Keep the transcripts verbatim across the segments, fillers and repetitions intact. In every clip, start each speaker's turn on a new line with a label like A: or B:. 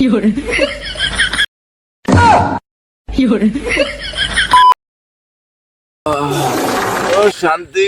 A: শান্তি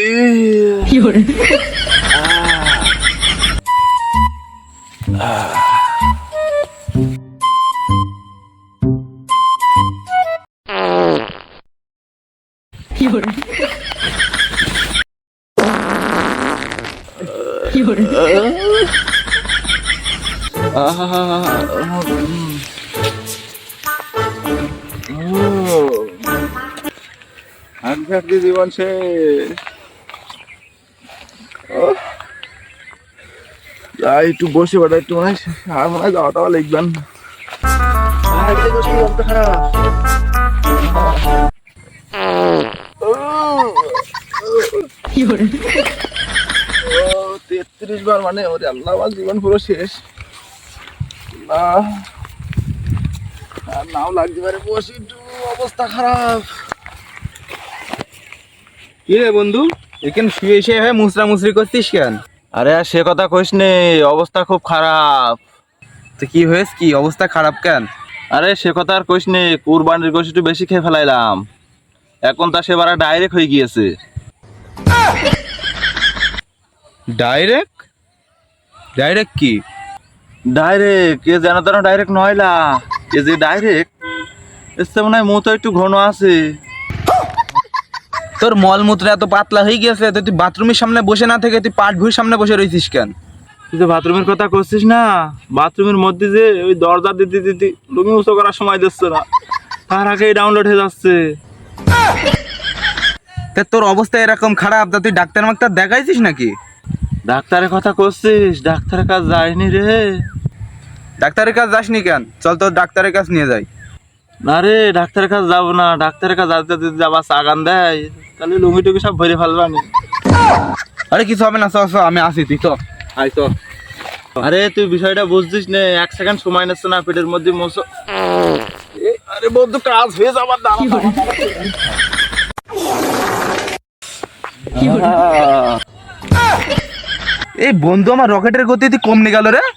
A: হাঁটতে জীবন শেষ। একটু বসে বেটা একটু মনে হয় আর মনে হয় যাওয়া টাওয়া লিখবেন খারাপ। তেত্রিশ বার মানে ওরে আল্লাহ, আমার জীবন পুরো শেষ। আর নাও লাগতে পারে, বসে একটু অবস্থা খারাপ।
B: কি রে বন্ধু, এখানে শুয়ে শুয়ে মুসরা মুসরি করছিস কেন?
A: আরে আর সে কথা কইস নে, অবস্থা খুব খারাপ।
B: তো কি হয়েছে, কি অবস্থা খারাপ কেন?
A: আরে সে কথা আর কইস নে, কুরবানির গোশত একটু বেশি খেয়ে ফেলাইলাম, এখন তা সেবার ডাইরেক্ট হয়ে গিয়েছে।
B: ডাইরেক্ট? ডাইরেক্ট কি?
A: ডাইরেক্ট এ যেন তেন ডাইরেক্ট নয়লা, এ যে ডাইরেক্ট এসে মনে হয় মুতো একটু ঘন আছে।
B: তোর মলমূত্র এত পাতলা হয়ে গেছে, তুই বাথরুমের সামনে বসে না থেকে তুই পাট ভুঁড়ির সামনে বসে রয়েছিস কেন?
A: তুই তো বাথরুমের কথা করছিস না, বাথরুমের মধ্যে যে ওই দরজা দিতে দিতে লুঙ্গি উঁচু করার সময় দিচ্ছে না, তার আগেই ডাউনলোড হয়ে যাচ্ছে।
B: তা তোর অবস্থা এরকম খারাপ, তা তুই ডাক্তার মাক্তার দেখাইছিস নাকি?
A: ডাক্তারের কথা করছিস, ডাক্তারের কাজ যায়নি রে।
B: ডাক্তারের কাজ যাসনি কেন? চল তোর ডাক্তারের কাছে নিয়ে যাই।
A: না রে, ডাক্তারের কাছে যাবো না, ডাক্তারের কাছে যাতে যদি আবার চাগান দেয় তাহলে লুঙ্গি টুঙ্গি সব ভরে ফেলবানি।
B: আরে কিছু হবে না, চ চ আমি আসি, তুই তো আয় তো।
A: আরে তুই বিষয়টা বুঝছিস নে, এক সেকেন্ড সময় নিচ্ছে না, পেটের মধ্যে মোছো। আরে বন্ধু কাজ হয়ে যাবার দাঁড়া।
B: এই বন্ধু আমার রকেটের গতি তুই কমনে গেল রে।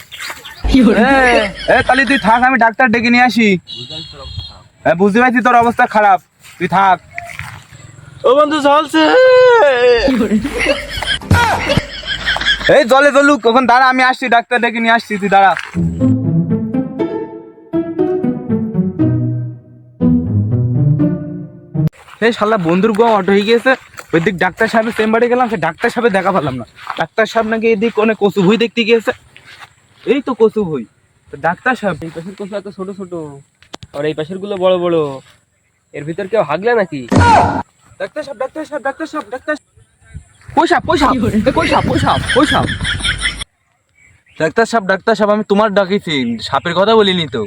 B: তাহলে তুই থাক, আমি ডাক্তার ডেকে নিয়ে আসি। হ্যাঁ বুঝতে পারছি তোর অবস্থা খারাপ, তুই থাক।
A: ও বন্ধু চলছে।
B: এই জলে চলুক, কখন দাঁড়া, আমি আসছি, ডাক্তার ডেকে নিয়ে আসছি, তুই দাঁড়া। এই শালা বন্ধুর গো অটো হয়ে গিয়েছে, ওই দিক ডাক্তার সাহেবের চেম্বারে গেলাম, সে ডাক্তার সাহেব দেখা পেলাম না। ডাক্তার সাহেব নাকি এদিক অনেক কচু ভুই দেখতে গিয়েছে। এই তো কচু ভুই, ডাক্তার সাহেব
C: এই পাশের কচু এত ছোট ছোট আর এই পাশের গুলো বড় বড়, এর ভিতর কেউ হাগলা নাকি?
B: ডাক্তার সাহেব ডাক্তার সাহেব ডাক্তার সাহেব ডাক্তার পয়সা পয়সা পয়সা পয়সা পয়সা ডাক্তার সাহেব ডাক্তার সাহেব আমি তোমার ডাকিছি, সাপের কথা বলিনি তো।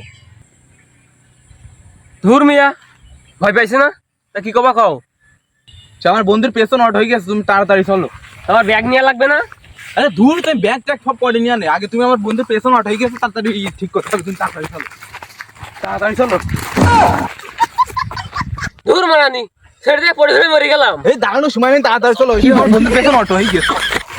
C: ধুর মিয়া, ভয় পাইছে না? তা কি কবা খাও?
B: আমার বন্ধুর পেছন অট হয়ে গেছে, তুমি তাড়াতাড়ি চলো।
C: তোমার ব্যাগ নিয়ে লাগবে না?
B: আরে দূর, তুমি ব্যাগ ট্যাগ সব পরে নিয়ে আনে, আগে তুমি আমার বন্ধুর পেছন অট হয়ে গেছে, তাড়াতাড়ি ঠিক করতে হবে, তুমি তাড়াতাড়ি চলো, তাড়াতাড়ি চলো।
C: ধুর মারানি, ছেড়ে দিয়ে পড়ে ধরে মরে গেলাম।
B: এই দাঁড়ানোর সময় নেই, তাড়াতাড়ি চলো, আমার বন্ধুর পেছন অট হয়ে গেছে।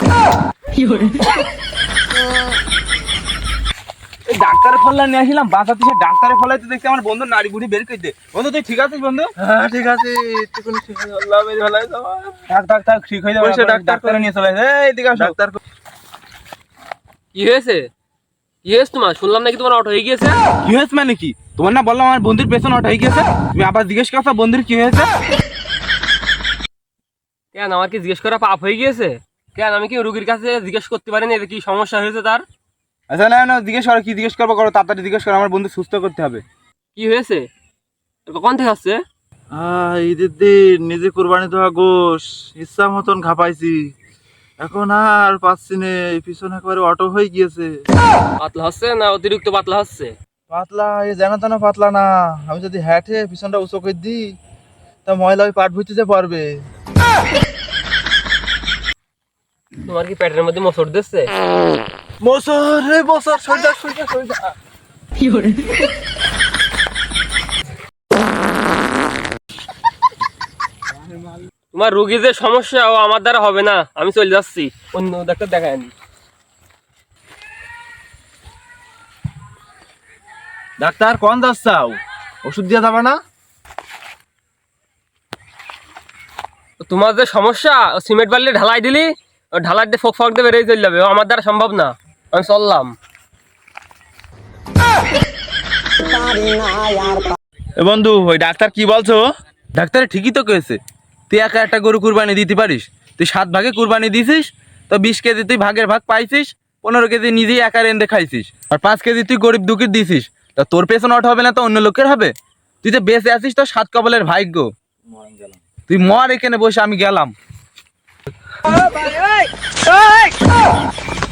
B: এই ডাক্তারের ফল্লা নিয়ে আসলাম বাঁচাতে, সে ডাক্তারের ফলাইতে দেখছি আমার বন্ধু নাড়ি বুড়ি বের করে দে। বন্ধু তুই ঠিক আছিস বন্ধু?
A: হ্যাঁ ঠিক আছে, একটুখানি ঠিক আছে, আল্লাহ মেরে ফেলাই যাওয়া।
B: থাক থাক থাক, ঠিক হয়ে যাবে,
A: ওই সে ডাক্তার
B: ডাক্তারে নিয়ে চলে আসে। এই দিকে আসো।
A: ডাক্তার
C: কি হয়েছে? কি হয়েছে তোমার? শুনলাম নাকি তোমার অটো হয়ে গিয়েছে।
B: কি হয়েছে মানে কি? তোমার না বললাম আমার বন্ধুর পেছন অট হয়ে গেছে, তুমি আবার জিজ্ঞেস করছো বন্ধুর কি হয়েছে?
C: কেন, আমার কি জিজ্ঞেস করা পাপ হয়ে গিয়েছে? কেন, আমি কি রুগীর কাছে জিজ্ঞেস করতে পারিনি কি সমস্যা হয়েছে তার?
B: আচ্ছা না না, জিজ্ঞেস করো, কি জিজ্ঞেস করবো করো, তাড়াতাড়ি জিজ্ঞেস করো, আমার বন্ধু সুস্থ করতে হবে।
C: কি হয়েছে? কখন থেকে আসছে?
A: আহ ঈদের দিন নিজে কোরবানি দেওয়া গোশ ইচ্ছা মতন খাপাইছি, এখন আর পাচ্ছি না, পিছনে একেবারে অটো হয়ে গিয়েছে।
C: পাতলা হচ্ছে না অতিরিক্ত পাতলা হচ্ছে?
A: পাতলা এই জানা তেনা পাতলা না, আমি যদি হ্যাটে পিছনটা উঁচু করে দিই তা ময়লা ওই পাট ভুইতে পারবে।
C: তোমার কি পেটের মধ্যে মোচড় দিচ্ছে?
A: মোসর রে মোসর, সইদা সইদা সইদা।
C: তোমার রুগীর যে সমস্যা ও আমার দ্বারা হবে না, আমি চলে যাচ্ছি, অন্য ডাক্তার দেখায় নি।
A: ডাক্তার কোন যাচ্ছাও? ওষুধ দিয়ে যাবে না?
C: তোমার যে সমস্যা, ও সিমেন্ট বালি ঢালাই দিলি, ও ঢালাই দিয়ে ফক ফক দিয়ে বেরিয়ে চলে যাবে, ও আমার দ্বারা সম্ভব না, আমি চললাম।
A: এ বন্ধু, ওই ডাক্তার কি বলছো?
B: ডাক্তার ঠিকই তো কয়েছে, তুই একা একটা গরু কুরবানি দিতে পারিস। তুই সাত ভাগে কুরবানি দিছিস, তো বিশ কেজি তুই ভাগের ভাগ পাইছিস, পনেরো কেজি নিজেই একা রেন্দে খাইছিস, আর পাঁচ কেজি তুই গরিব দুঃখীর দিছিস। তা তোর পেছনে ওঠা হবে না তো অন্য লোকের হবে? তুই যে বেঁচে আছিস তো সাত কবলের ভাগ্য। তুই মর এখানে বসে, আমি গেলাম।